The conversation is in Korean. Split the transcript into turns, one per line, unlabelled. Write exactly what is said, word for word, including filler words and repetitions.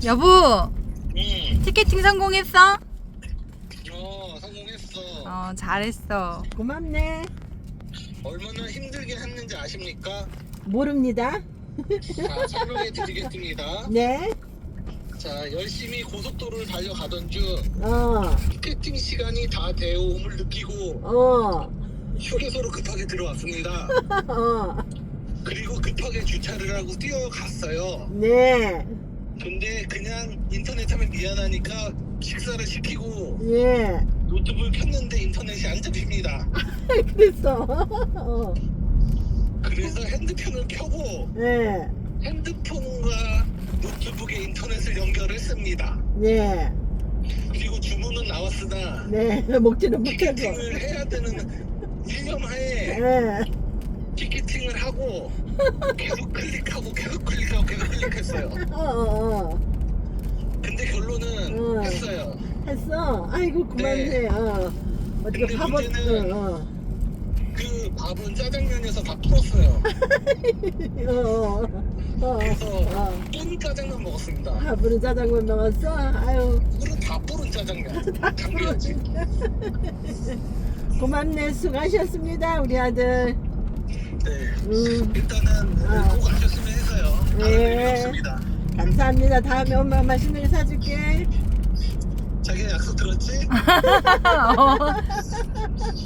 여보,
응.
티켓팅 성공했어?
어, 성공했어.
어, 잘했어.
고맙네.
얼마나 힘들게 했는지 아십니까?
모릅니다.
자, 설명해 드리겠습니다.
네.
자, 열심히 고속도로를 달려가던 중
어,
티켓팅 시간이 다 되어옴을 느끼고
어,
휴게소로 급하게 들어왔습니다.
어,
그리고 급하게 주차를 하고 뛰어갔어요.
네,
근데 그냥 인터넷 하면 미안하니까 식사를 시키고
예.
노트북을 켰는데 인터넷이 안 잡힙니다.
그랬어. 어,
그래서 핸드폰을 켜고
네,
핸드폰과 노트북에 인터넷을 연결했습니다.
네,
그리고 주문은 나왔으나
네. 먹지는 못하고.
티켓팅을 해야 되는 일념하에
네,
티켓팅을 하고 계속 클릭하고 계속 클릭하고 계속 클릭했어요.
어, 어, 어.
근데 결론은
어.
했어요.
했어. 아이고, 고맙네.
네.
어. 어떻게
근데
밥을,
문제는
어, 어.
그 밥은 짜장면에서 다 풀었어요.
어, 어, 어,
그래서
어.
뚠 짜장면 먹었습니다.
밥으로 짜장면 먹었어? 아유,
물은 다 뿌른 짜장면. 당겨야지.
고맙네. 수고하셨습니다, 우리 아들.
네.
음,
일단은
어.
꼭 아셨으면 해서요. 다른
네.
의미 없습니다.
감사합니다. 다음에 엄마 맛있는 거 사줄게.
자기 약속 들었지?
어.